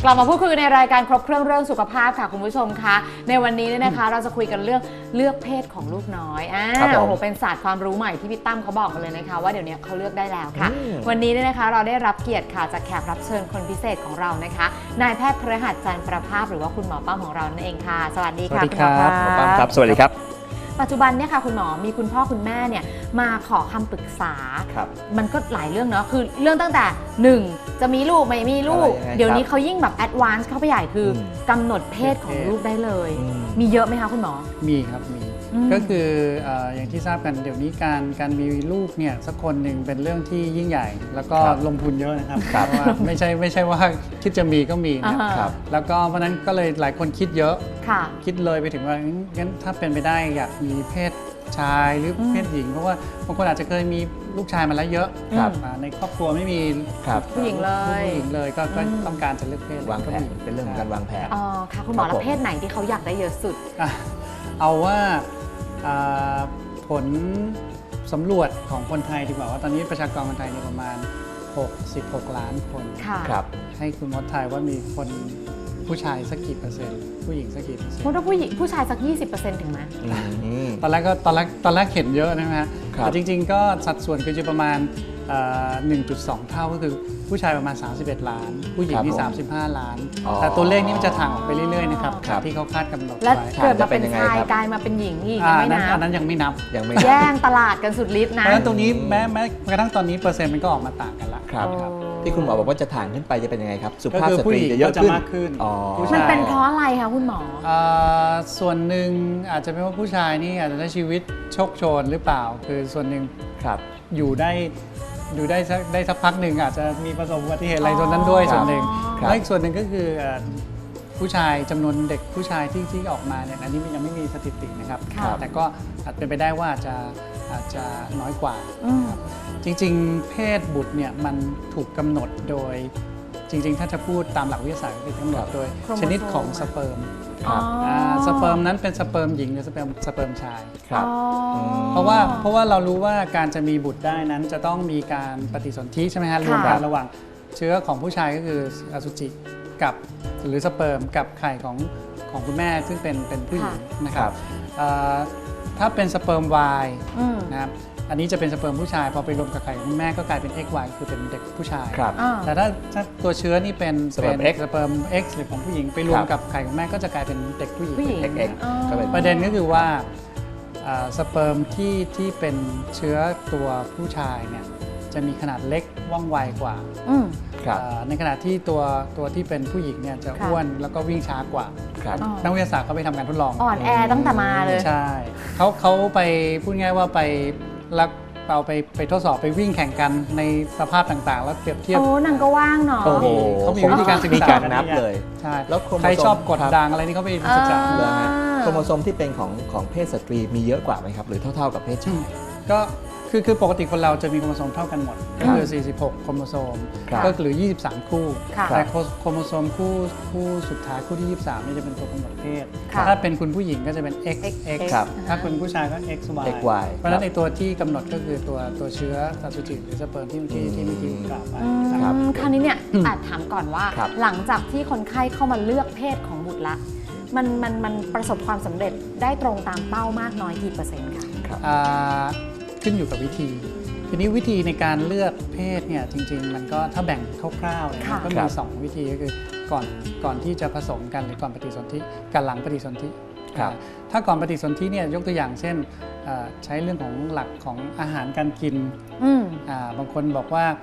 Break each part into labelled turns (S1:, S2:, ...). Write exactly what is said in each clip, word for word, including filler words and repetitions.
S1: กลับมาพูดคุยในรายการครบเครื่องเรื่องสุขภาพค่ะคุณผู้ชมคะในวันนี้เนี่ยนะคะเราจะคุยกันเรื่องเลือกเพศของลูกน้อยอ่าโอ้โหเป็นศาสตร์ความรู้ใหม่ที่พี่ตั้มเขาบอกมาเลยนะคะว่าเดี๋ยวนี้เขาเลือกได้แล้วค่ะวันนี้เนี่ยนะคะเราได้รับเกียรติค่ะจากแขกรับเชิญคนพิเศษของเรานะคะนายแพทย์พฤหัสจันทร์ประภาพหรือว่าคุณหมอปั้มของเรานั่นเองค่ะสวัสดีค่ะคุณหมอปั้ม
S2: ครับสวัสดีครับ
S1: ปัจจุบันเนี่ยค่ะคุณหมอมีคุณพ่อคุณแม่เนี่ยมาขอคำปรึกษามันก็หลายเรื่องเนาะคือเรื่องตั้งแต่หนึ่งจะมีลูกไม่มีลูกเดี๋ยวนี้เขายิ่งแบบแอดวานซ์เข้าไปใหญ่คือกำหนดเพศของลูกได้เลยมีเยอะไหมคะคุณหมอ
S3: มีครับมีก็คืออย่างที่ทราบกันเดี๋ยวนี้การการมีลูกเนี่ยสักคนหนึ่งเป็นเรื่องที่ยิ่งใหญ่แล้วก็ลงทุนเยอะนะครับเพราะว่าไม่ใช่ไม่ใช่ว่าคิดจะมีก็มีนะครับแล้วก็เพราะนั้นก็เลยหลายคนคิดเยอะคิดเลยไปถึงว่างั้นถ้าเป็นไปได้อยากมีเพศชายหรือเพศหญิงเพราะว่าบางคนอาจจะเคยมีลูกชายมาแล้วเยอะในครอบครัวไม่มี
S1: ผู้หญิงเลย
S3: ผู้หญิงเลยก็ต้องการจะเลือกเพศ
S2: วางแผนเป็นเรื่องของการวางแผน
S1: อ๋อค่ะคุณหมอแล้วเพศไหนที่เขาอยากได้เยอะสุด
S3: เอาว่าผลสำรวจของคนไทยดีกว่าว่าตอนนี้ประชากรคนไทยประมาณหกสิบหกล้านคน
S1: ครับ
S3: ให้คุณมดทายว่ามีคนผู้ชายสักกี่เปอร์เซ็นต์ผู้หญิงสักกี่เปอร์เซ็นต์
S1: มดว่าผู้หญิงผู้ชายสัก ยี่สิบเปอร์เซ็นต์ ถึงไหม
S3: ตอนแรกก็ตอนแรกตอนแรกเห็นเยอะนะฮะแต่จริงๆก็สัดส่วนคือจะประมาณ หนึ่งจุดสอง เท่าก็คือผู้ชายประมาณสามสิบเอ็ดล้านผู้หญิงนี่สามสิบห้าล้านแต่ตัวเลขนี้มันจะถ่างออกไปเรื่อยๆนะครับที่เขาคาดกำหนดไว้
S1: แล้วเกิดมาเป็นชายกลายมาเป็นหญิงอีกไม่นับ
S3: อันนั้นยังไม่นับ
S2: ยังไม่
S1: แย่งตลาดกันสุดฤทธิ์นะ
S3: เพราะฉะนั้นตรงนี้แม้แม้กระทั่งตอนนี้เปอร์เซ็นต์มันก็ออกมาต่างกันละ
S2: ครับที่คุณหมอบอกว่าจะถ่างขึ้นไปจะเป็นยังไงครับสุภาพสตรีจะเยอะขึ้น
S1: มันเป็นเพราะอะไรคะคุณหมอ
S3: ส่วนหนึ่งอาจจะเป็นว่าผู้ชายนี่อาจจะได้ชีวิตโชคโชนหรือเปล่าคือส่วนหนึ่งอยู่ได้อยู่ได้ได้สักพักหนึ่งอาจจะมีประสบอุบัติเหตุอะไรส่วนนั้นด้วยส่วนหนึ่งและอีกส่วนหนึ่งก็คือผู้ชายจำนวนเด็กผู้ชายที่ที่ออกมาเนี่ยอันนี้ยังไม่มีสถิตินะครับแต่ก็อาจเป็นไปได้ว่าอาจจะอาจจะน้อยกว่าจริงๆเพศบุตรเนี่ยมันถูกกำหนดโดยจริงๆถ้าจะพูดตามหลักวิทยาศาสตร์คือกำหนดโดยชนิดของสเปิร์มสเปิร์มนั้นเป็นสเปิร์มหญิงหรือสเปิร์มสเปิร์มชายเพราะว่าเพราะว่าเรารู้ว่าการจะมีบุตรได้นั้นจะต้องมีการปฏิสนธิใช่ไหมฮะรวมกันระหว่างเชื้อของผู้ชายก็คืออสุจิกับหรือสเปิร์มกับไข่ของของคุณแม่ซึ่งเป็นเป็นผู้หญิงนะครับถ้าเป็นสเปิร์ม Y นะครับอันนี้จะเป็นสเปิร์มผู้ชายพอไปรวมกับไข่ของคุณแม่ก็กลายเป็น เอ็กซ์ วาย คือเป็นเด็กผู้ชายแต่ถ้าถ้าตัวเชื้อนี่เป็นสเปิร์ม X สเปิร์ม X หรือของผู้หญิงไปรวมกับไข่ของแม่ก็จะกลายเป็นเด็กผู้หญิง
S1: เอ็กซ์
S3: ประเด็นก็คือว่าสเปิร์มที่ที่เป็นเชื้อตัวผู้ชายเนี่ยจะมีขนาดเล็กว่องไวกว่าในขณะที่ตัวตัวที่เป็นผู้หญิงเนี่ยจะอ้วนแล้วก็วิ่งช้ากว่านักวิทยาศาสตร์เขาไปทำการทดลอง
S1: อ่อนแอตั้งแต่มาเลย
S3: ใช่เขาเขาไปพูดง่ายว่าไปแล้วเราไปไปทดสอบไปวิ่งแข่งกันในสภาพต่างๆแล้วเปรียบเทียบ
S1: โอ้นังก็ว่างเนาะ
S3: เขามีวิธีการศึกษา
S2: การนับเลย
S3: ใช่แล้วใครชอบกดดังอะไรนี่เขาไปศึกษา
S2: เลยฮะโครโมโซมที่เป็นของของเพศสตรีมีเยอะกว่าไหมครับหรือเท่าๆกับเพศชาย
S3: ก็คือคือปกติคนเราจะมีโครโมโซมเท่ากันหมดก็คือสี่สิบหกโครโมโซมก็หรือยี่สิบสามคู่แต่โครโมโซมคู่คู่สุดท้ายคู่ที่ยี่สิบสามนี่จะเป็นตัวกำหนดเพศถ้าเป็นคุณผู้หญิงก็จะเป็น X X ถ้าคุณผู้ชายก็ X Y เพราะฉะนั้นในตัวที่กำหนดก็คือตัวตัวเชื้ออสุจิหรือสเปิร์มที่ที่ที่ที่กล่าวไป
S1: คราวนี้เนี่ยอาจถามก่อนว่าหลังจากที่คนไข้เข้ามาเลือกเพศของบุตรละมันมันมันประสบความสำเร็จได้ตรงตามเป้ามากน้อยกี่เปอร์เซ็นต์คะ
S3: ขึ้นอยู่กับวิธีทีนี้วิธีในการเลือกเพศเนี่ยจริงๆมันก็ถ้าแบ่งคร่าวๆเลยก็มีสองวิธีก็คือก่อนก่อนที่จะผสมกันหรือก่อนปฏิสนธิกับหลังปฏิสนธิถ้าก่อนปฏิสนธิเนี่ยยกตัวอย่างเช่นใช้เรื่องของหลักของอาหารการกินบางคนบอกว่า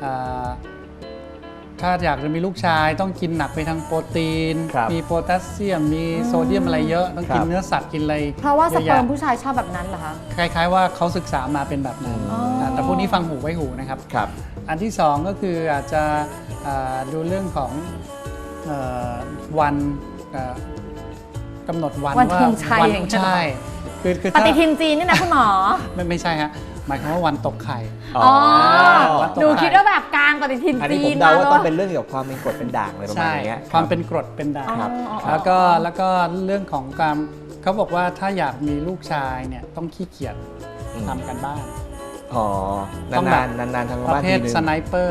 S3: ถ้าอยากจะมีลูกชายต้องกินหนักไปทางโปรตีนมีโพแทสเซียมมีโซเดียมอะไรเยอะต้องกินเนื้อสัตว์กินอะไร
S1: เพราะว่าสเปิร์มผู้ชายชอบแบบนั้นเหรอคะ
S3: คล้ายๆว่าเขาศึกษามาเป็นแบบนั้นแต่พวกนี้ฟังหูไว้หูนะครับอันที่สองก็คืออาจจะดูเรื่องของวันกำหนดวัน
S1: ว่าวันใช่
S3: ใช่
S1: คือปฏิทินจีนนี่นะคุณหมอ
S3: ไม่ไม่ใช่ฮะหมายความว่าวันตกไข่
S1: อ๋อดูคิดว่าแบบกลางปฏิทินจีนอันนี้
S2: ผมเดาว่าต้องเป็นเรื่องเกี่ยวกับความเป็นกรดเป็นด่างอะไรประมาณนี้
S3: ความเป็นกรดเป็นด่างแล้วก็แล้วก็เรื่องของการเขาบอกว่าถ้าอยากมีลูกชายเนี่ยต้องขี้เกียจทำกันบ้าน
S2: อ๋อนานๆนานๆทำกันบ้าน
S3: ประเภทสไนเปอร์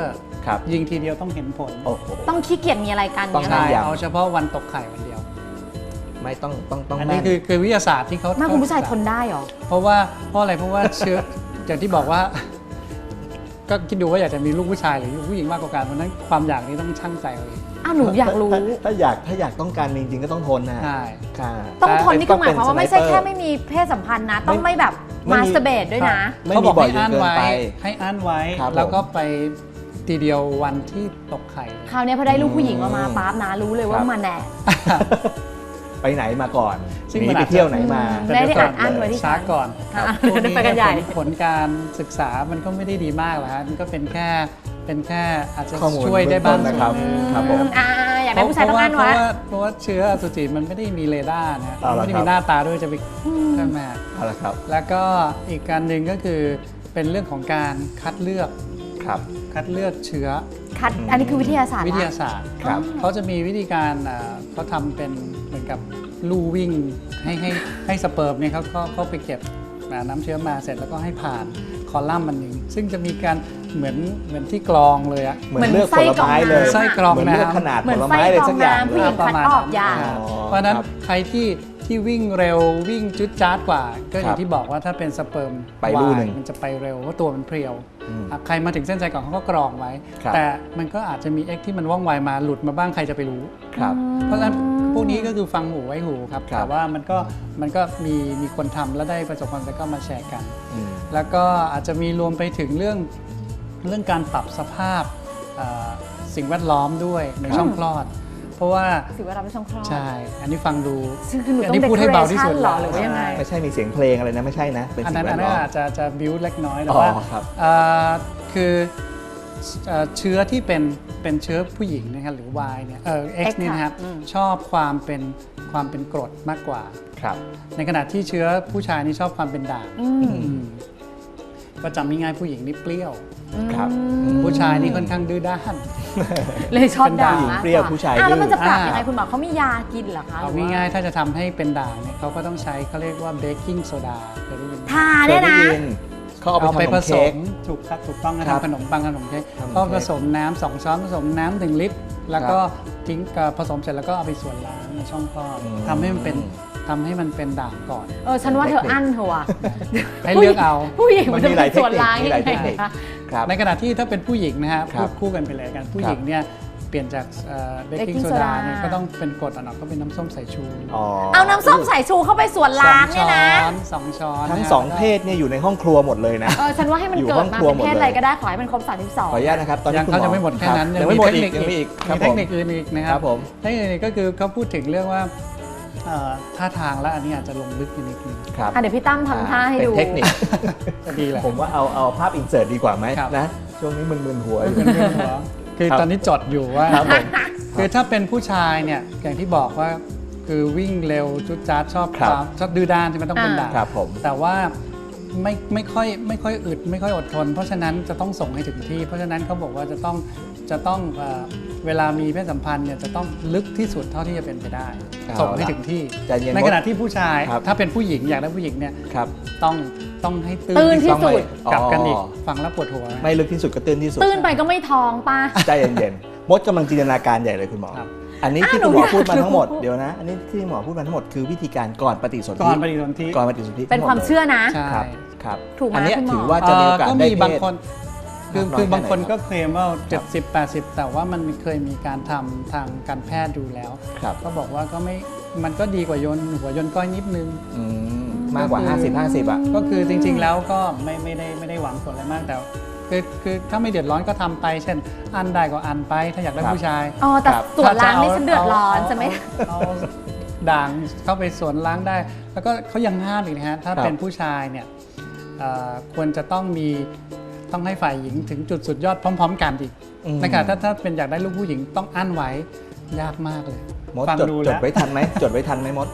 S2: ครับ
S3: ยิงทีเดียวต้องเห็นผล
S2: โอ้โห
S1: ต้องขี้เกียจมีอะไรกัน
S2: ต้อง
S1: เนี่ย
S3: ใช่
S1: เหรอ
S2: ย่าง
S3: เอาเฉพาะวันตกไข่วันเดียว
S2: ไม่ต้องต้องต้อง
S3: อัน
S2: แม่
S3: นี้
S2: น
S3: คือคือวิทยาศาสตร์ที่เขา
S1: ไมาคุณผู้ชาย
S3: เข
S1: ทนได้เหรอ
S3: เพราะว่าเพราะอะไรเพราะว่าเชื้อ อย่างที่บอกว่า ก็คิดดูว่าอยากจะมีลูกผู้ชายหรือลูกผู้หญิงมากกว่ากันเพราะฉะนั้นความอยากนี้ต้องชั่งใจเอาเอง
S1: อ้าวหนูอยากรู้
S2: ถ้ถ้าอยากถ้าอยากต้องการจริงๆก็ต้องทนนะ
S3: ใช่
S2: ค่ะ
S1: ต้องทนนี่ก็หมายความว่าไม่ใช่
S2: เป็นสไนเปอร์
S1: แค่ไม่มีเพศสัมพันธ์นะ ต้องไม่แบบ
S2: ไม่
S1: มา
S2: มี
S1: สเตอร์เบดด้วยนะ
S2: ไม่
S3: เขา
S2: มี
S3: บอก
S2: บ่อย
S3: ให้
S2: จน
S3: อ่าน
S2: เกิน
S3: ไว้
S2: ไป
S3: ให้อ่านไว้
S2: ครับ
S3: แล้วก็
S2: ผม
S3: ไปทีเดียววันที่ตกไข่เลย
S1: คราวนี้พอได้ลูกผู้หญิงออกมา
S2: อืม
S1: ปั๊บนะรู้เลยว่า
S2: ครับ
S1: มาแน่
S2: ไปไหนมาก่อน
S3: ซึ่ง
S2: หนี
S3: มัน
S2: ไป
S3: อาจจะ
S2: เที่ยวไหนมา
S1: ได้ได้อ่านอ่านไว้ที่
S3: ช้าก่อน
S1: อ่ะ
S3: พวก
S1: เดี๋ยวไปกันใหญ่
S3: ผลผลการศึกษามันก็ไม่ได้ดีมากหรอกฮะมันก็เป็นแค่เป็นแค่อาจจะ
S2: ข้อมูล
S3: ช่วยได้บ้าง
S2: เบื้องต้นนะครับ
S3: ส่วนหนึ่ง
S2: ครับผม
S1: อ่าอยากได้ผู้ชายต้องอ่าน
S3: เพราะ
S1: ไว้
S3: ว่าเพราะว่าเชื้ออสุจิมันไม่ได้มีเรดาร์นะ
S2: เอาล่ะ
S3: ไม่ได้
S2: ครั
S3: มี
S2: บ
S3: หน้าตาด้วยจะไปใช่ไหม
S2: เอาละครับ
S3: แล้วก็อีกการหนึ่งก็คือเป็นเรื่องของการคัดเลือก
S2: ครับ
S3: คัดเลือกเชื้อ
S1: คัดอันนี้คือวิทยาศาสตร์
S3: วิท
S1: ละ
S3: ยาศาสตร์
S2: ครับ
S3: เขาจะมีวิธีการอ่าเขาทำเป็นเหมือนกับลู่วิ่งให้ให้ให้สเปิร์มเนี่ยเขาเขาเขาไปเก็บอ่าน้ำเชื้อมาเสร็จแล้วก็ให้ผ่านคอลัมน์มันหนึ่งซึ่งจะมีการเหมือนเหมือนที่กรองเลยอะ
S2: เหมือนเลือกผลไม้เลย
S3: ไส้กรอง
S2: เหมือนเลือก
S3: น้ำ
S2: ขนาด
S1: เห
S2: ผ
S1: มือน
S2: ล
S1: ไส้
S2: ไม้เลย
S1: กรอ
S2: สั
S1: ง
S2: กอย่าง
S1: น้ำผู้หญิง
S3: ประ
S1: คัด
S3: มาณ
S1: ออกอย่าง
S2: อ๋อ
S3: เพราะฉะนั้น
S2: ครับ
S3: ใครที่ที่วิ่งเร็ววิ่งจุดจ้าดกว่า ก็อ
S2: ครั
S3: ย่า
S2: บ
S3: งที่บอกว่าถ้าเป็นสเปิร์ม
S2: ไปลู่หนึ่ง
S3: วายมันจะไปเร็วเพราะตัวมันเพรียว
S2: อืม
S3: อ่ะใครมาถึงเส้นใจก่อนเขาก็กรองไว้
S2: ครับ
S3: แต่มันก็อาจจะมีเอ็กที่มันว่องไวมาหลุดมาบ้างใครจะไปรู้
S2: ครับ
S3: เพราะฉะนั้นพวกนี้ก็คือฟังหูไว้หูครับ
S2: ครับ
S3: แต่ว่ามันก็มันก็มีมีคนทำแล้วได้ประสบความสำเร็จก็มาแชร์กัน
S2: อืม
S3: แล้วก็อาจจะมีรวมไปถึงเรื่องเรื่องการปรับสภาพเอ่อสิ่งแวดล้อมด้วยในช่องคลอด เพราะว่า
S1: ถือว่าเราไม่ช่องคลอด
S3: ใช่ อันนี้ฟังดู
S1: ซึ่งคือหนู
S3: อั
S1: ต้อง
S3: นี้พูดให้เบาที่สุด
S1: decoration เหรอหรือว่ายังไง
S2: ไม่ใช่มีเสียงเพลงอะไรนะไม่ใช่นะ เป็น
S3: อัน
S2: สิ่
S3: นั้
S2: ง
S3: น
S2: แว
S3: อัน
S2: ด
S3: นั้
S2: ล้
S3: น
S2: อม
S3: อาจจะจะบิวเล็กน้อยแต่
S2: อ๋อ
S3: ว่า
S2: ครับ
S3: เอ่อคือเอ่อเชื้อที่เป็นเป็นเชื้อผู้หญิงนะครับหรือ Y เนี่ยเออ X
S1: X
S3: เนี่ยนะครับ
S1: อืม
S3: ชอบความเป็นความเป็นกรดมากกว่า
S2: ครับ
S3: ในขณะที่เชื้อผู้ชายนี่ชอบความเป็นด่าง
S1: อืม
S3: อืมก็จำง่ายๆผู้หญิงนี่เปรี้ยว
S2: ครับ
S1: อืม
S3: ผู้ชายนี่ค่อนข้างดื้อด้าน
S1: เลยชอบ
S3: เป็น
S1: ด่า
S3: ผู้หญิง
S1: มาก
S2: เปรี้ยว
S1: กา
S2: ผู้ชาย
S1: อ้าวแล้วมันจะปรับ
S3: ดื้อ
S1: ยังไงคุณหมอเขามียากินเหรอคะ
S3: เอา
S1: หรือว่
S3: ง่ายๆถ้าจะทำให้เป็นด่างเนี่ยเขาก็ต้องใช้เขาเรียกว่าเบกกิ้งโซดาเคยได้ยินไหม
S1: ทาเนี่ยนะ
S2: เคยได้ยิเขาเอา
S3: เอา
S2: ไป
S3: ไป
S2: ทำขนม
S3: ผส
S2: เค้ก
S3: มถูกครับถูกต้องนะ
S2: ครับ
S3: ทำขนมปังขนมเค้ก
S2: ทำ
S3: ก็
S2: เค้ก
S3: ผสมน้ำสองช้อนผสมน้ำหนึ่งลิตร แล้วก็ทิ้งกับผสมเสร็จแล้วก็เอาไปส่วนล้างในช่องคลอด
S2: อืม
S3: ทำให้มันเป็นทำให้มันเป็นด่างก่อน
S1: เออฉันว่าเธออั้นเถอะว่ะ
S3: ให้เลือกเอา
S1: ผู้หญิงมันจะ
S2: มันมีห
S1: เป็
S2: ลาย
S1: นส่วนล้าง
S2: เทคนิคมีหลาย
S1: ยังไง
S2: เทคนิค
S1: คะ
S2: ครับ
S3: ในขณะที่ถ้าเป็นผู้หญิงนะฮะ
S2: ครั
S3: พู
S2: บ
S3: ดคู่กันไปเลยกันผู้หญิงเนี่ยเปลี่ยนจากเบกกิ้ง
S1: baking
S3: โซ
S1: soda
S3: ดาเนี่ยก็ต้องเป็นกรดอ่อนๆก็เป็นน้ำส้มสายชู
S2: อ๋อ
S1: เอาน้ำส้มสายชูเข้าไปส่วนล้างเนี่ยนะ
S3: สองช้อน
S2: ทั้ง
S3: นะฮะ
S2: สองเพศเนี่ยอยู่ในห้องครัวหมดเลยนะ
S1: เออฉันว่าให้มัน
S2: อยู่
S1: เกิ
S2: ห้
S1: ด
S2: อง
S1: มา
S2: ครัว
S1: เป็น
S2: หมด
S1: เพศ
S2: เลย
S1: อะไรก็ได้ขอให้มันครบสามสิบสอง
S2: ขออนุญาตนะครับ ตอนนี้
S3: ยัง
S2: คุณห
S3: เขา
S2: มอ
S3: ยังไม่หมดแค่นั้น
S2: รับยังไม่หมด
S3: เท
S2: อี
S3: ค
S2: ก
S3: นิค
S2: ยังมีอีกค
S3: มี
S2: รับ
S3: เท
S2: ผ
S3: ค
S2: ม
S3: นิคอื่นอีกนะค
S2: ค
S3: รั
S2: รั
S3: บบ
S2: ผม
S3: เทคนิคอื่นก็คือเขาพูดถึงเรื่องว่าเอ่อท่าทางและอันนี้อาจจะลงลึกไปนิดนึง
S2: ครับ
S1: อ่ะเดี๋ยวพี่ตั้มทำท่าให้
S2: เป็น
S1: ดู
S2: เทคนิค
S3: จะดีแหละ
S2: ผมว่าเอาเอาภาพอินเสิร์ตดีกว่าไหม
S3: ครับ
S2: นะช่วงนี้มึนๆหัวอยู่
S3: เป็นเรื่องหัวคือ
S2: ครับ
S3: ตอนนี้จดอยู่ว่า
S2: ครับผม
S3: คือถ้าเป็นผู้ชายเนี่ยอย่างที่บอกว่าคือวิ่งเร็วจุดจ้าดชอบ
S2: ครับ
S3: ความชอบดื้อด้านใช่ไหมต้องเป็น
S1: อ่า
S3: ด่าง
S2: ครับผม
S3: แต่ว่าไม่ไม่ค่อยไม่ค่อยอึดไม่ค่อยอดทน เพราะฉะนั้นจะต้องส่งให้ถึงที่ เพราะฉะนั้นเขาบอกว่าจะต้องจะต้องเอ่อเวลามีเพศสัมพันธ์เนี่ยจะต้องลึกที่สุดเท่าที่จะเป็นไปได้
S2: เอา
S3: ส่งให้
S2: ล่ะ
S3: ถึงที่
S2: ใจเย็น
S3: ในขณะที่ผู้ชาย
S2: ครับ
S3: ถ้าเป็นผู้หญิงอยากได้ผู้หญิงเนี่ย
S2: ครับ
S3: ต้องต้องให้ตื้
S1: ตื้น
S3: น
S1: ที่
S3: ที่สุด
S1: สุด
S3: กลับกันอีก
S2: อ๋อ
S3: ฟังแล้วปวดหัว
S2: ไม่ลึกที่สุดก็ตื้นที่สุด
S1: ตื้นไปก็ไม่ท้องป่ะ
S2: ใจเย็นๆมดกำลังจินตนาการใหญ่เลยคุณหมอ
S3: ครับ
S2: อันนี้
S1: อ้าว
S2: ที่คุณหมอพูดมา
S1: หนูอยาก
S2: ทั้งหมด
S1: รู้
S2: เดี๋ยวนะ อันนี้ที่หมอพูดมาทั้งหมดคือวิธีการก่อนปฏิสนธิ
S3: ก่อนปฏิสนธิ
S2: ก่อนปฏิสนธิ
S1: เป็นความเชื่อนะ
S3: ใช่
S2: ครับครับ
S1: ถูกไหม
S2: อันเนี้ย
S1: คุณหมอ
S2: ถือว่าจะมีโอกาส
S3: เอ่อ
S2: ได้
S3: มี
S2: เพ
S3: บาง
S2: ศ
S3: คนคือ
S2: น้อย
S3: คือบางคน
S2: แค่ไหน
S3: ก็เคลมว่าเจ็ดสิบ แปดสิบแต่ว่ามันเคยมีการทำทางการแพทย์ดูแล้ว
S2: ครับ
S3: ก็บอกว่าก็ไม่มันก็ดีกว่าโยนหัวโยนก้อยนิดนึง
S2: อืมมากกว่า
S3: ก็คือ
S2: ห้าสิบ ห้าสิบ อ่ะ
S3: ก็คือจริง ๆ แล้วก็ไม่ไม่ได้ไม่ได้หวังผลอะไรมากแต่คือคือถ้าไม่เดือดร้อนก็ทำไป เช่น อันได้ก็อันไปถ้าอยากได้
S2: ครับ
S3: ผู้ชาย
S1: อ๋อแต่
S2: ครับ
S1: ส่วนล้าง
S3: ถ้
S1: นี่ฉันเดือดร้อน
S3: า
S1: ใช่ไหม
S3: เอาเอาด่างเข้าไปสวนล้างได้ แล้วก็เขายังห้ามอีกนะฮะถ้า
S2: ครับ
S3: เป็นผู้ชายเนี่ยเอ่อควรจะต้องมีต้องให้ฝ่ายหญิงถึงจุดสุดยอดพร้อม ๆ กันอีก
S2: อืม
S3: ในขณะถ้าถ้าเป็นอยากได้ลูกผู้หญิงต้องอั้นไว้ยากมากเลย
S2: มด
S3: ฟัง
S2: จด
S3: ดู
S2: จ
S3: แล้
S2: ด
S3: ว
S2: ไว้ทันไหมจดไว้ทันไหมมด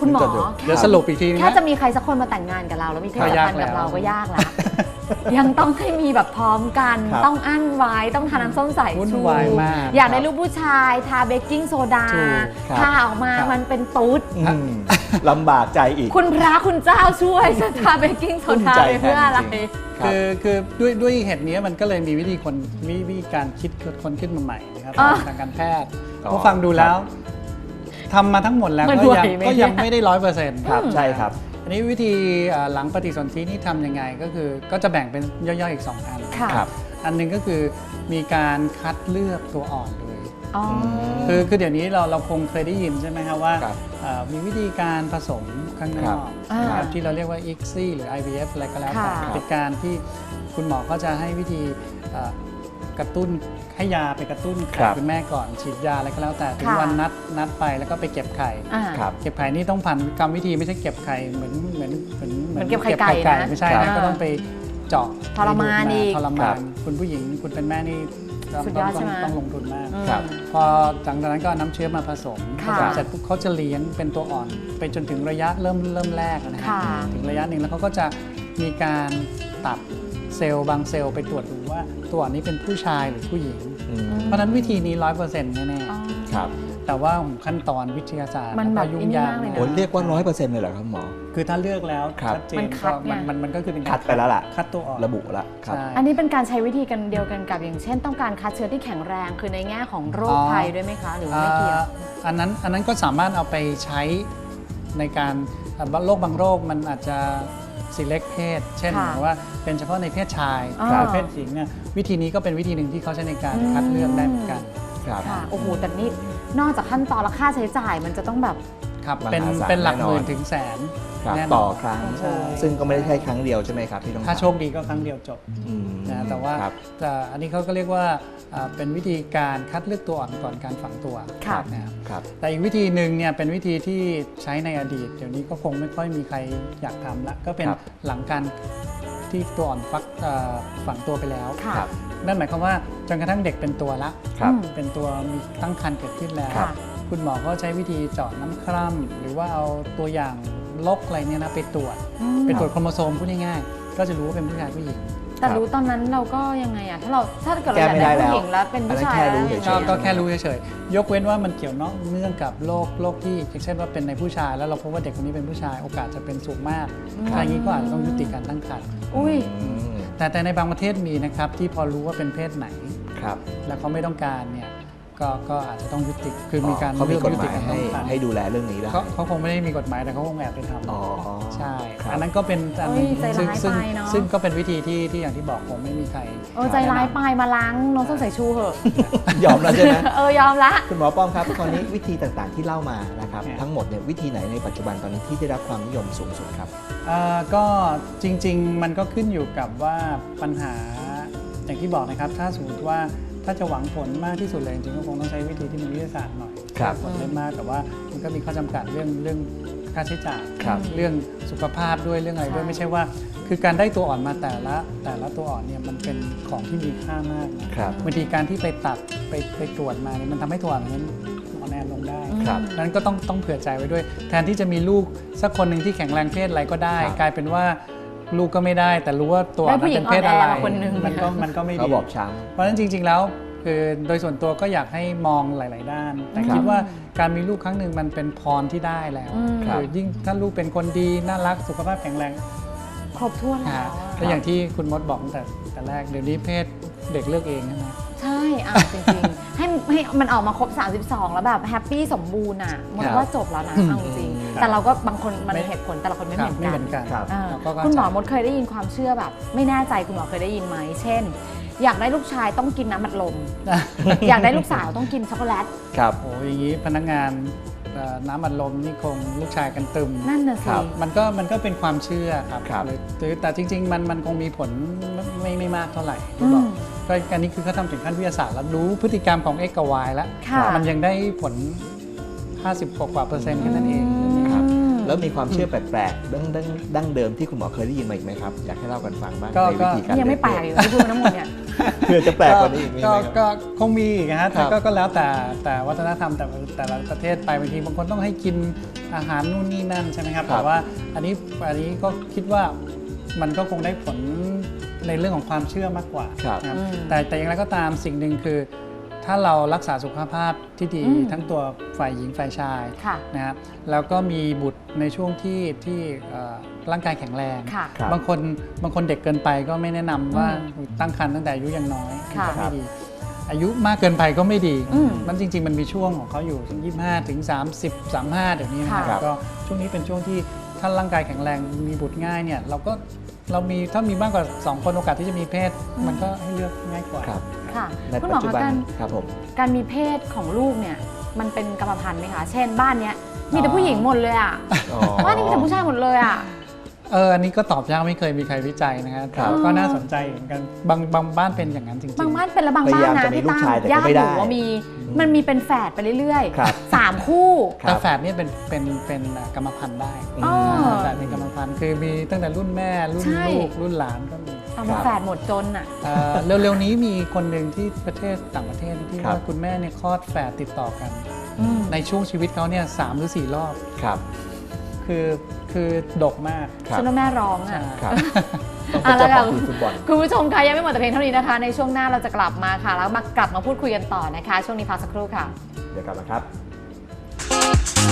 S1: คุณหมอ
S2: จนจบ
S3: เดี๋ยวสรุปอีกทีนึง
S1: แค่
S3: นะ
S1: จะมีใครสักคนมาแต่งงานกับเราแล้วมีเพศสัมพันธ์กับเราก็ยากแล้ว
S3: ย
S1: ยังต้องให้มีแบบพร้อมกัน
S2: ครับ
S1: ต้องอั้นไว้ต้องทาน้ำส้มสาย
S3: วุ่น
S1: ชู
S3: วายมาก
S1: อยากได้ลูกผู้ชายทาเบกกิ้งโซดา
S3: ถูก
S2: ครับ
S1: ทาออกมา
S3: ครับ
S1: มันเป็นตุ๊ด
S2: อืมลำบากใจอีก
S1: คุณพระคุณเจ้าช่วยจะทาเบกกิ้งโซดาไปเพื่ออะไร
S2: จริง ครับ
S3: คือคือด้วยด้วยเหตุนี้มันก็เลยมีวิธีคนวิวิธีการคิดคนขึ้นมาใหม่นะครับ
S1: อ่า
S3: ทางการแพทย์
S2: อ๋อ
S3: พอฟังดูแล้วทำมาทั้งหมดแล้ว
S1: มัน
S3: ก็ยัง
S1: ไหวไหม
S3: ก็ยัง
S1: เนี่ย
S3: ไม่ได้ร้อยเปอร์เซ็นต์
S2: ครับใช่ครับ
S3: อันนี้วิธีเอ่อหลังปฏิสนธินี่ทำยังไงก็คือก็จะแบ่งเป็นย่อยๆอีกสองอัน
S1: ค่ะ
S2: ครับ
S3: อันหนึงก็คือมีการคัดเลือกตัวอ่อนเลย
S1: อ๋อ
S3: คือคือเดี๋ยวนี้เราเราคงเคยได้ยินใช่ไหมครับว่า
S2: ครับ
S3: เอ่อมีวิธีการผสมข้างน
S2: ครั
S3: อบ ก
S1: อ่า
S3: นะครับที่เราเรียกว่า อี เอ็ก ซี หรือ ไอ วี เอฟ อะไรก็แล้วแต่
S1: ค่ะ
S3: เป็นการที่คุณหมอก็จะให้วิธีเอ่อกระตุ้นให้ยาไปกระตุ้น
S2: ครั
S3: ไข่
S2: บ
S3: คุณแม่ก่อนฉีดยาอะไรก็แล้วแต่ถึง
S1: ค่ะ
S3: วันนัดนัดไปแล้วก็ไปเก็บไข่
S1: อ่า
S2: ครับ
S3: เก็บไข่นี่ต้องผ่านกรรมวิธีไม่ใช่เก็บไข่เหมือนเหมือนเหมือน
S1: เหมือนเก็บไข่ไก่นะ
S3: ไม่ใช่
S2: ครั
S3: นะ
S2: บ
S3: ก็ต้องไปเจาะ
S1: ทรมานอีก
S3: ทร
S2: ครั
S3: มาน
S2: บ
S3: คุณผู้หญิงคุณเป็นแม่นี่ต้อง
S1: สุดยอด
S3: ต้อง
S1: ใช่ไหม
S3: ต้องลงทุนมาก
S1: อืม
S2: ครับ
S3: พอหลังจากนั้นก็เอาน้ำเชื้อมาผสมผ
S1: ค่ะ
S3: สมเสร็จปุ๊บเขาจะเลี้ยงเป็นตัวอ่อน ไปจนถึงระยะเริ่มเริ่มแรกนะฮะ
S1: ค่ะ
S3: ถึงระยะหนึ่งแล้วเขาก็จะมีการตัดเซลล์บางเซลล์ไปตรวจดูว่าตัวอ่อนนี้เป็นผู้ชายหรือผู้หญิง
S2: อืม
S3: เพราะฉะนั้นวิธีนี้ร้อยเปอร์เซ็นต์แน่
S1: อ๋อ
S2: ครับ
S3: ๆแต่ว่าขั้นตอนวิทยาศาสตร์
S1: มันแบบ
S3: ก็ยุ่งยาก
S1: ไอ้นี่มากเลยนะ
S2: โอ้เรียกว่าร้อยเปอร์เซ็นต์เลยเหรอครับหมอ
S3: คือถ้าเลือกแล้ว
S2: ครับ
S3: ชัดเจ
S1: มัน นคัดไง
S3: ก็มันมันมันก็คือเป็นการ
S2: คัดไปแล้วล่ะ
S3: คัดตัวอ่อน
S2: ระบุแล้วครับ
S3: ใช่
S1: อันนี้เป็นการใช้วิธีกันเดียวกันกับอย่างเช่น ต้องการคัดเชื้อที่แข็งแรงคือในแง่ของโรคภัยด้วยไหมคะ หรือว่าไม่เกี่ยว
S3: อ่าอันนั้นอันนั้นก็สามารถเอาไปใช้ในการอ่าโรคบางโรคมันอาจจะ select เพศ เช่น
S1: ค่ะ
S3: หมายว่าเป็นเฉพาะในเพศชาย
S1: อ๋อ
S3: หรือเพศหญิงเนี่ยวิธีนี้ก็เป็นวิธีหนึ่งที่เขาใช้ในการ
S1: อืม
S3: คัดเลือกได้เหมือนกัน
S2: ครับ
S1: ค่ะโอ้โหแต่นี่นอกจากขั้นตอนและค่าใช้จ่ายมันจะต้องแบบ
S3: ครับ
S2: มหา
S3: เป็น
S2: ศาล
S3: เป็นหลัก
S2: แน่นอน
S3: หมื่นถึงแสน
S2: ครับ
S3: แน่นน
S2: ต่อครั้ง
S3: ใช่
S2: ซึ่งก็ไม่ได้ใช่ครั้งเดียวใช่ไหมครับที่ต้อง
S3: ถ้า
S2: ทำ
S3: โชคดีก็ครั้งเดียวจบ
S2: อืม
S3: นะแต่ว่า
S2: ครับ
S3: แต่อันนี้เขาก็เรียกว่าอ่าเป็นวิธีการคัดเลือกตัวอ่อนก่อนการฝังตัว
S1: ค่ะ
S3: นะครับ
S2: ครับ
S3: แต่อีกวิธีหนึ่งเนี่ยเป็นวิธีที่ใช้ในอดีต เดี๋ยวนี้ก็คงไม่ค่อยมีใครอยากทำละก็เป็น
S2: ครับ
S3: หลังการที่ตัวอ่อนฟักเอ่อฝังตัวไปแล้ว
S1: ค่ะ
S2: ครับ
S3: นั่นหมายความว่าจนกระทั่งเด็กเป็นตัวละ
S2: ครับ
S1: อืม
S3: เป็นตัวมีตั้งครรภ์เกิดขึ้นแล้ว
S1: ค่ะ
S3: คุณหมอก็ใช้วิธีเจาะน้ำคร่ำหรือว่าเอาตัวอย่างลกอะไรเนี่ยนะไปตรวจ
S1: อืม
S3: ไปตรวจโครโมโซมพูดง่ายๆก็จะรู้ว่าเป็นผู้ชายผู้หญิง
S1: แต่รู้ตอนนั้นเราก็ยังไงอะถ้าเราถ้าเกิดเรา
S2: แก้
S1: อยาก
S2: ไม่
S1: ได้
S2: ได้
S1: ผู้
S2: แล้ว
S1: หญิงแล้วเป็นผู้ชาย
S2: อันนั้นแค่รู้
S1: แล้ว
S2: เฉ
S3: ก็
S2: ย
S3: ก็แค่รู้เฉยๆ ยกเว้นว่ามันเกี่ยวเนาะเนื่องกับโรคโรคที่อย่างเช่นว่าเป็นในผู้ชายแล้วเราพบว่าเด็กคนนี้เป็นผู้ชายโอกาสจะเป็นสูงมากถ้าอย่างนี้ก็อาจจะต้องยุติการตั้งครรภ์
S1: อุ้ย
S2: อืม
S3: แต่แต่ในบางประเทศมีนะครับที่พอรู้ว่าเป็นเพศไหน
S2: ครับ
S3: แล้วเขาไม่ต้องการเนี่ยก็ก็อาจจะต้องยุติคือมีการ
S2: เขามี
S3: เลือก
S2: กฎ
S3: ยุ
S2: ห
S3: ติ
S2: มาย
S3: การ
S2: ให้
S3: ตั้งครรภ์
S2: ให้ดูแลเรื่องนี้ได้
S3: เขาเขาคงไม่ได้มีกฎหมายแต่เขาคงแอบไปท
S2: อ๋อ
S3: ำใช่
S2: ครับ
S3: อันนั้นก็เป็นอันหนึง
S1: เอ้ยใจ
S3: ซึ่ง
S1: ร้าย
S3: ซึ่ง
S1: ไปเนอะ
S3: ซึ่งก็เป็นวิธีที่ที่อย่างที่บอกคงไม่มีใคร
S1: เออใจร้ายไปมาล้างน้องส้มสายชูเหอะ
S2: ยอมแล้วใช่ไหม
S1: เออยอมละ
S2: คุณหมอป้อมครับตอนนี้วิธีต่างๆที่เล่ามานะครับ
S3: เนี่ย
S2: ทั้งหมดเนี่ยวิธีไหนในปัจจุบันตอนนี้ที่ได้รับความนิยมสูงสุดครับ
S3: อ่าก็จริงๆ มันก็ขึ้นอยู่กับว่าปัญหาอย่างที่บอกนะครับ ถ้าสมมติว่าถ้าจะหวังผลมากที่สุดเลยจริงๆก็คงต้องใช้วิธีที่มีวิทยาศาสตร์หน่อย
S2: ครับ
S3: ผลได้มากแต่ว่ามันก็มีข้อจำกัดเรื่องเรื่องค่าใช้จ่าย
S2: ครับ
S3: เรื่องสุขภาพด้วยเรื่องอะไรด้วย
S1: ใช่
S3: ไม่ใช่ว่า คือการได้ตัวอ่อนมาแต่ละแต่ละตัวอ่อนเนี่ยมันเป็นของที่มีค่ามากนะครับ บางทีการที่ไปตัดไปไปตรวจมาเนี่ยมันทำให้ตัวอ่อนนั้นอ่อนแอลงได้
S2: ครับ
S3: นั้นก็ต้องต้องเผื่อใจไว้ด้วย แทนที่จะมีลูกสักคนหนึ่งที่แข็งแรงเพศอะไรก็ได้
S2: ครับ
S3: กลายเป็นว่าลูกก็ไม่ได้ แต่รู้ว่าตัว
S1: ได้
S3: นั้น
S1: ผู้หญิ
S3: เป็
S1: ง
S3: นเพศอะไร
S1: อ่อนแอคนหนึ่ง
S3: มันก็มันก็ไม่
S2: เขา
S3: ดี
S2: บอบช้
S3: เพราะฉะนั้นจริง ๆ แล้วคือโดยส่วนตัวก็อยากให้มองหลาย ๆ ด้าน แต่
S2: ครับ
S3: คิดว่าการมีลูกครั้งหนึ่งมันเป็นพรที่ได้แล้ว
S1: อืม
S3: คือยิ่งถ้าลูกเป็นคนดีน่ารักสุขภาพแข็งแรง
S1: ครบถ้วน
S3: อ่า
S1: แล้ว
S3: แล้วอย่างที่คุณมดบอกตั้งแต่แต่แรกเดี๋ยวนี้เพศเด็กเลือกเองใช่ไหม
S1: ใช่อ่ะจริงๆ ให้ให้มันออกมาครบ สามสิบสอง แล้วแบบแฮปปี้สมบูรณ์อ่ะมัน
S2: ครับ
S1: ว่าจบแล้วนะเอาจริง
S3: ครับ
S1: แต่เราก็บางคนมัน
S3: ไม่
S1: เหตุผลแต่ละคนไม่
S3: ค
S1: เห
S3: รับ
S1: มือน
S3: ไม่
S1: กั
S3: เหมือนกัน
S2: ครับ
S1: อ่า
S3: เราก็เข้าใจ
S1: คุณหมอมดเคยได้ยินความเชื่อแบบ ไม่แน่ใจคุณหมอเคยได้ยินไหมเช่น อยากได้ลูกชายต้องกินน้ำอัดลม อยากได้ลูกสาวต้องกินช็อกโกแลต
S2: ำครับ
S3: โอ้ยอย่างนี้พนักงานเอ่อน้ำอัดลมนี่คงลูกชายกันตึม
S1: นั่นน่ะ
S2: ครั
S1: สิ
S2: บ
S3: มันก็มันก็เป็นความเชื่อครับ
S2: ครับ
S3: หรือหรือแต่จริง ๆ มันมันคงมีผลไม่ไม่ไม่มากเท่าไหร่
S1: อื
S3: ที่บอก
S1: ม
S3: ก็อันนี้คือเขาทำถึงขั้นวิทยาศาสตร์แล้วรู้พฤติกรรมของ X กับ Y แล้ว
S1: ค่ะ
S3: มันยังได้ผล ห้าสิบ กว่ากว่าเปอร์เซ็นต์แค่นั้นเอง
S2: ครับ
S1: อืม
S2: แล้วมีความเชื่อแปลกๆดั้งดั้งดั้งเดิมที่คุณหมอเคยได้ยินมาอีกไหมครับ อยากให้เล่ากันฟังบ้าง
S3: ก็
S2: ในวิธีการ
S1: ยังไม่แปลก
S2: เลี้
S1: อยู่ที่พูดมาทั้งหมดเนี่ย
S2: เพื่อจะแปลกกว่านี้อีกมีไหม
S3: ก็
S2: ครับ
S3: ก็คงมีอีกนะฮะ
S2: ครับ
S3: ก็ก็แล้วแต่แต่วัฒนธรรมแต่แต่ละประเทศไปบางทีบางคนต้องให้กินอาหารนู่นนี่นั่นใช่ไหมครับ
S2: ครับ
S3: แต่ว่าอันนี้อันนี้ก็คิดว่ามันก็คงได้ผลในเรื่องของความเชื่อมากกว่า
S2: ครับ
S3: นะครับ
S1: อืม
S3: แต่แต่อย่างไรก็ตามสิ่งหนึ่งคือ ถ้าเรารักษาสุขภาพที่ดี
S1: อืม
S3: ทั้งตัวฝ่ายหญิงฝ่ายชาย
S1: ค่ะ
S3: นะครับแล้วก็มีบุตรในช่วงที่ที่เอ่อร่างกายแข็งแรง
S1: ค่ะ
S2: ครับ
S3: บางคนบางคนเด็กเกินไปก็ไม่แนะนำว่า
S1: อืม
S3: ตั้งครรภ์ตั้งแต่อายุยังน้อย
S1: ค่ะ
S3: ก็ไม่ดี อายุมากเกินไปก็ไม่ดี
S1: อืม
S3: มันจริง ๆ มันมีช่วงของเขาอยู่ถึงยี่สิบห้าถึงสามสิบ สามสิบห้าเดี๋ยวนี้นะค
S1: ค่ะ
S3: รับก็ช่วงนี้เป็นช่วงที่ถ้าร่างกายแข็งแรงมีบุตรง่ายเนี่ยเราก็เรามีถ้ามีมากกว่าสองคนโอกาสที่จะมีเพศ มันก็ให้เลือกง่ายกว่า
S2: ครับ
S1: ค่ะ
S2: ใน
S1: คุณหม
S2: ปั
S1: อ
S2: จจุ
S1: คะ
S2: บัน
S1: การ
S2: ครับผม
S1: การมีเพศของลูกเนี่ยมันเป็นกรรมพันธุ์ไหมคะ เช่นบ้านเนี้ยมีแต่ผู้หญิงหมดเลยอ่ะ
S2: อ๋อ
S1: บ้านนี้มีแต่ผู้ชายหมดเลยอ่ะ
S3: เอออันนี้ก็ตอบยากไม่เคยมีใครวิจัยนะครับ
S2: ครับ
S3: แต่ก็น่าสนใจเหมือนกันบางบางบ้านเป็นอย่างนั้นจริงๆ
S1: บางบ้านเป็นแล้วบางบ้าน
S2: พยายาม
S1: นะ
S2: จะมี
S1: พี่
S2: ลูก
S1: ตั้ม
S2: ชายแต่ก็
S1: ญาติ
S2: ไม่
S1: ห
S2: ได้
S1: นูว่ามีมันมีเป็นแฝดไปเรื่อย
S2: ครับ
S1: ๆสามคู่
S2: ครับ
S3: แต่แฝดเนี่ยเป็นเป็นเป็นกรรมพันธุ์ได้
S1: อ๋อ
S3: แฝดเป็นกรรมพันธุ์คือมีตั้งแต่รุ่นแม่รุ่น
S1: ใช่
S3: ลูกรุ่นหลานก็มี
S1: เอามาแฝดหมดจนอ่ะ
S3: เอ่อเร็วๆนี้มีคนหนึ่งที่ประเทศต่างประเทศที่
S2: ครับ
S3: ว่าคุณแม่เนี่ยคลอดแฝดติดต่อกัน
S1: อืม
S3: ในช่วงชีวิตเขาเนี่ยสามหรือสี่รอบ
S2: ครับ
S3: คือคือดกมาก
S2: ครับ
S1: ฉันว่าแม่ร้องอ่ะ
S2: ครับต้อง
S1: อ่ะ
S2: เป็น
S1: แล้ว
S2: เจ้า
S1: กั
S2: ขอน งทีมฟุตบอล
S1: คุณผู้ชมคะยังไม่หมดแต่เพียงเท่านี้นะคะ ในช่วงหน้าเราจะกลับมาค่ะ แล้วมากลับมาพูดคุยกันต่อนะคะ ช่วงนี้พักสักครู่ค่ะ
S2: เดี๋ยวกลับมาครับ